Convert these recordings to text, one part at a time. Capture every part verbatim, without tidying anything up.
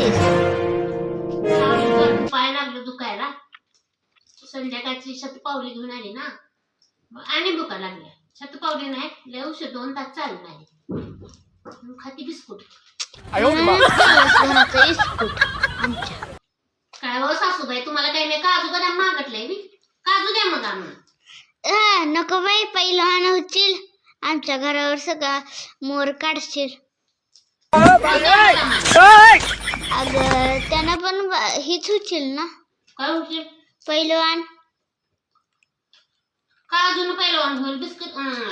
लागलीस? पाय लागलं दुखायला. संध्याकाळची शतपावली घेऊन आली ना, मग आणि भुका लागल्या. शतपावली नाही, लय औषध दोन तास चालू नाही. खाती बिस्कुट. घराचं इस्कूट आमच्या. काय हो सासूबाई, तुम्हाला काही नाही काजू बदाम मागटलंय मी. काजू द्या मग आम्हाला. नको बाई, पहिलवान होतील. आमच्या घरावर सगळा मोर काढशील. अगं त्यांना पण हीच होतील ना, काय होतील? पहिलवान. काजून पहिलवान होईल, बिस्कुट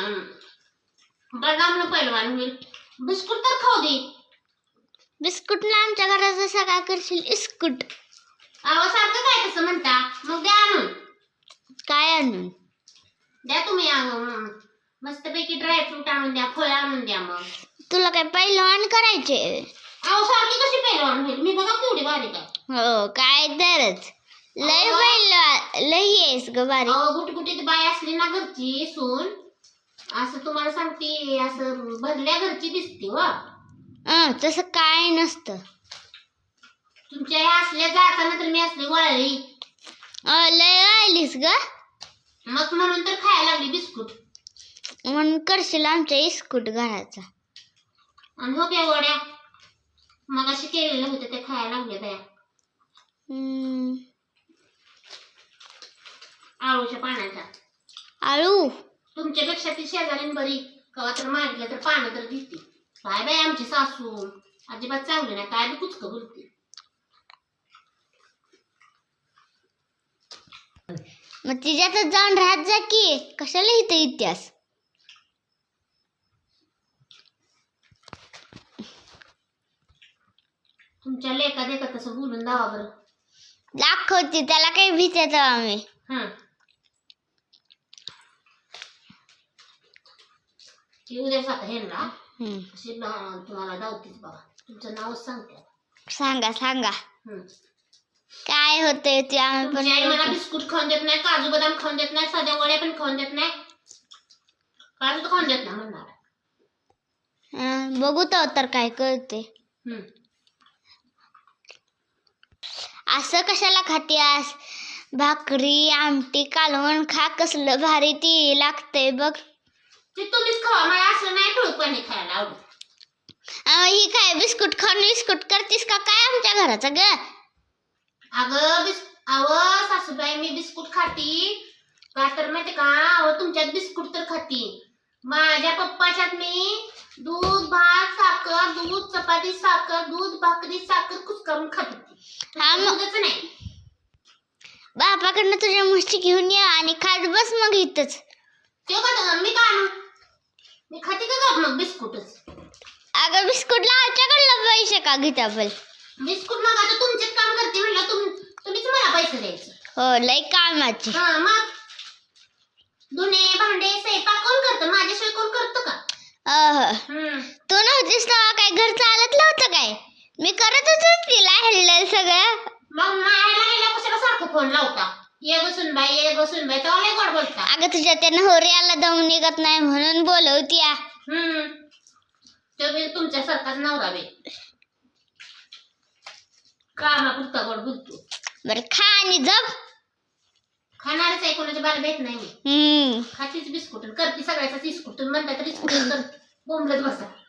बदामनं पहिलवान होईल. बिस्कुट तर खाऊ दे. बिस्कुट ना आमच्या घराचा सगळा करशील इस्कूट. अहो सारखं काय तसं म्हणता, मग द्या आणून. काय आणून द्या तुम्ही आणून. मस्तपैकी ड्रायफ्रूट आणून द्या, फळ आणून द्या. मग तुला काय पहिलवान करायचे? अहो सारखी कशी पहिलवान होईल? मी बघा केवढी बारीक आहे. हो काय तरच लय पहिलवान, लय आहेस ग बारीक. अहो गुटगुटीत बाय असली ना घरची सून, असं तुम्हाला सांगते, असं भरल्या घरची दिसते. व अं, तसं काय नसतं. तुमच्या ह्या असल्या जाताना तर मी असली वळली. अं, लय राहिलीस ग, मग म्हणून तर खायला लागली बिस्कुट. म्हणून करशील आमच्या इस्कूट घराचा. आणि हो क्या गोड्या, मग असे केलेले होते ते खायला लागले त्या हम्म, आळूच्या पाण्याचा. आळू तुमच्यापेक्षा ती शेजारी बरी. कवा तर मागितलं तर पानं तर दिसते. काय बाई आमची सासू अजिबात चांगली नाही, काय बी कुचकं बोलते. मग तिच्यातच जाऊन राहत जा की, कशाला इथं इतिहास. तुमच्या लेका देका तसं बोलून दावा बरं. दाखवते त्याला काही भीतेच आम्ही. हा ती उद्या साता हे ना हम्म, अशी तुम्हाला दावतीच बाबा. तुमचं नावच सांगते. सांगा सांगा हम्म. काय होतंय ते आम्ही तुमची आई मला पण. बिस्कुट खाऊन देत नाही, काजू बदाम खाऊन देत नाही, साध्या वड्या पण खाऊन देत नाही. काजू तर खाऊन देत नाही म्हणणार. अं, बघू तर काय कळते. हम्म. असं कशाला खातीयास? भाकरी आमटी कालवण खा, कसलं भारी ती लागतंय बघ. ते तुम्हीच खावा, मला असं नाही ठोक पाणी खायला आवडत. अं, ही काय बिस्कुट खाऊन बिस्कुट करतीस का काय आमच्या घराचा ग? अगं बिस अव सासूबाई, मी बिस्कुट खाती का तर माहिती का? अहो तुमच्यात बिस्कुट तर खाती, माझ्या पप्पाच्यात मी दूध भात साखर, दूध चपाती साखर, दूध भाकरी साखर कुचकारून खात होती. हा मग दूधच नाही. बापाकडनं तुझ्या म्हशी घेऊन ये आणि खात बस मग इथंच. ते का मी का आणू? मी खाते का गं मग बिस्कुटच? अगं बिस्कुटला आमच्याकडलं पैसे का घेता बोल? बिस्कुट मग आता तुमचेच काम करते म्हणलं, तुम तुम्हीच मला पैसे द्यायचे. हो लय कामाची. हा मग धुणे भांडे स्वयंपाक कोण करतं? माझ्याशिवाय कोण करतं का? अह हम्म. तू नव्हतीस तेव्हा काय घर चालत नव्हतं काय? मी करत होतो तिला हेल्ड सगळं. मग मायाला गेल्या कशाला सारखं फोन लावता? ये बसून बाई, ये बसून बाई, तेव्हा लय गोड बोलता. अगं तुझ्या त्या नवऱ्याला दम निघत नाही म्हणून बोलवती. हम्म. तो बी तुमच्यासारखाच नवरा बी कामापुरता गोड बोलतो. बरं खा आणि जप. खाणारच आहे, कोणाच्या बाला भेट नाही मी. हम्म, खातीच बिस्कुट, करते सगळ्याचा बिस्कुट. तुम्ही म्हणता तर बिस्कुट कर, बोंबलत बसा.